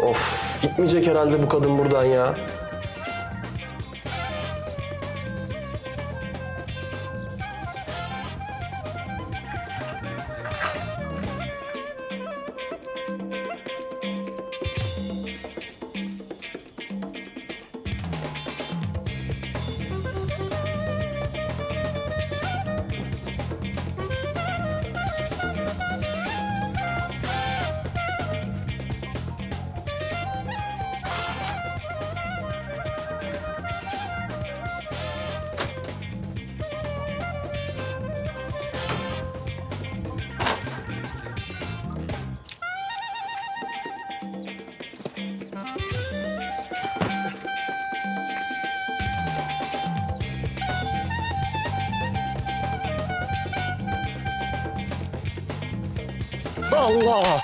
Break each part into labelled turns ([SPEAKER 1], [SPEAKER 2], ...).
[SPEAKER 1] Of, gitmeyecek herhalde bu kadın buradan ya. Allah!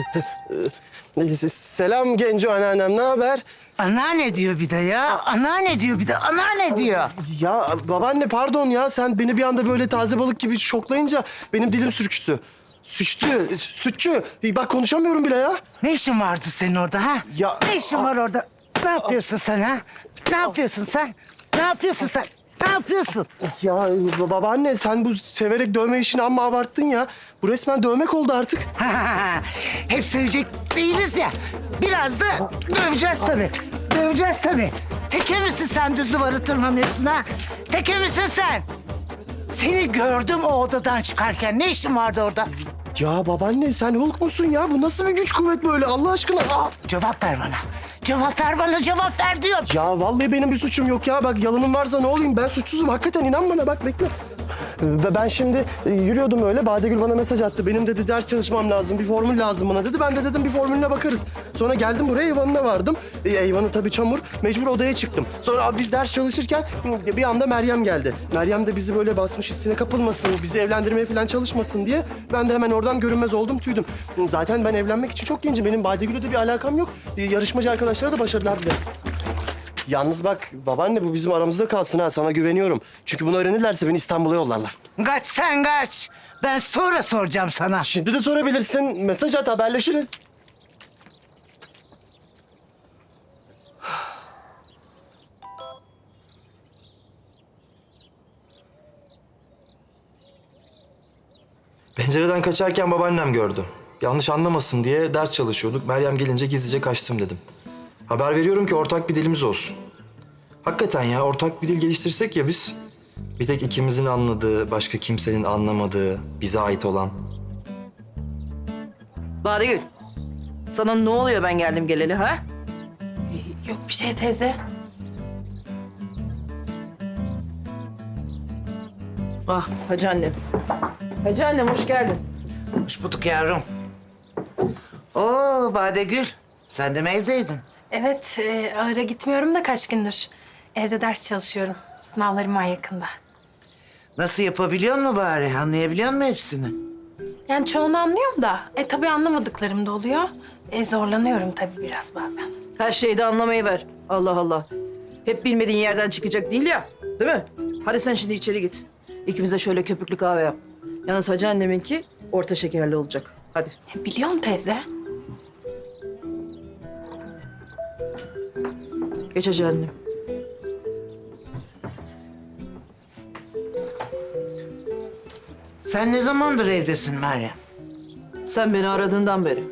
[SPEAKER 1] Selam Genco anneannem, ne haber?
[SPEAKER 2] Anneanne diyor bir de ya. Anneanne diyor bir de. Anneanne diyor.
[SPEAKER 1] Ya babaanne pardon ya, sen beni bir anda böyle taze balık gibi şoklayınca benim dilim sürçtü. Sütçü. Bak konuşamıyorum bile ya.
[SPEAKER 2] Ne işin vardı senin orada ha?
[SPEAKER 1] Ya-
[SPEAKER 2] Ne işin var orada? Ne yapıyorsun sen ha? Ne yapıyorsun sen? Ne yapıyorsun sen? Ne yapıyorsun?
[SPEAKER 1] Ya babaanne sen bu severek dövme işini amma abarttın ya. Bu resmen dövmek oldu artık.
[SPEAKER 2] Hep sevecek değiliz ya. Biraz da döveceğiz tabii. Döveceğiz tabii. Teke misin sen düz duvarı tırmanıyorsun ha? Teke misin sen? Seni gördüm o odadan çıkarken. Ne işin vardı orada?
[SPEAKER 1] Ya babaanne sen Hulk musun ya? Bu nasıl bir güç kuvvet böyle Allah aşkına?
[SPEAKER 2] Cevap ver bana. Cevap ver bana, cevap ver diyorum.
[SPEAKER 1] Ya vallahi benim bir suçum yok ya. Bak yalanım varsa ne olayım? Ben suçsuzum. Hakikaten inan bana bak bekle. Ve ben şimdi yürüyordum öyle. Badegül bana mesaj attı. Benim dedi ders çalışmam lazım. Bir formül lazım bana dedi. Ben de dedim bir formülüne bakarız. Sonra geldim buraya eyvanına vardım. Eyvanı tabii çamur. Mecbur odaya çıktım. Sonra biz ders çalışırken bir anda Meryem geldi. Meryem de bizi böyle basmış hissine kapılmasın, bizi evlendirmeye falan çalışmasın diye ben de hemen oradan görünmez oldum, tüydüm. Zaten ben evlenmek için çok gencim. Benim Badegül'le de bir alakam yok. Yarışmacı arkadaşlara da başarılar dilerim. Yalnız bak babaanne bu bizim aramızda kalsın ha, sana güveniyorum. Çünkü bunu öğrenirlerse beni İstanbul'a yollarlar.
[SPEAKER 2] Kaç sen kaç. Ben sonra soracağım sana.
[SPEAKER 1] Şimdi de sorabilirsin. Mesaj at, haberleşiriz.
[SPEAKER 3] Pencereden kaçarken babaannem gördü. Yanlış anlamasın diye ders çalışıyorduk. Meryem gelince gizlice kaçtım dedim. Haber veriyorum ki ortak bir dilimiz olsun. Hakikaten ya ortak bir dil geliştirsek ya biz. Bir tek ikimizin anladığı, başka kimsenin anlamadığı, bize ait olan.
[SPEAKER 4] Badegül, sana ne oluyor ben geldim geleli ha?
[SPEAKER 5] Yok bir şey teyze.
[SPEAKER 4] Ah hacı annem. Hacı annem hoş geldin.
[SPEAKER 2] Hoş bulduk yavrum. Oo Badegül. Sen de mi evdeydin?
[SPEAKER 5] Evet, ahıra gitmiyorum da kaç gündür. Evde ders çalışıyorum. Sınavlarım var yakında.
[SPEAKER 2] Nasıl yapabiliyor mu bari? Anlayabiliyor musun hepsini?
[SPEAKER 5] Yani çoğunu anlıyorum da, tabii anlamadıklarım da oluyor. Zorlanıyorum tabii biraz bazen.
[SPEAKER 4] Her şeyi de anlamayı ver. Allah Allah. Hep bilmediğin yerden çıkacak değil ya. Değil mi? Hadi sen şimdi içeri git. İkimize şöyle köpüklü kahve yap. Yalnız hacı anneminki orta şekerli olacak. Hadi.
[SPEAKER 5] Biliyorum teyze.
[SPEAKER 4] Geç hacı annem.
[SPEAKER 2] Sen ne zamandır evdesin Meryem?
[SPEAKER 4] Sen beni aradığından beri.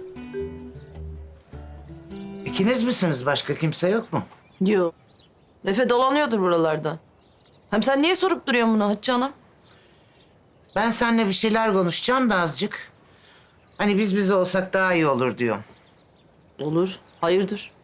[SPEAKER 2] İkiniz misiniz? Başka kimse yok mu?
[SPEAKER 4] Yok. Efe dolanıyordur buralardan. Hem sen niye sorup duruyorsun bunu hacı anam?
[SPEAKER 2] Ben seninle bir şeyler konuşacağım da azıcık. Hani biz olsak daha iyi olur diyorum.
[SPEAKER 4] Olur. Hayırdır?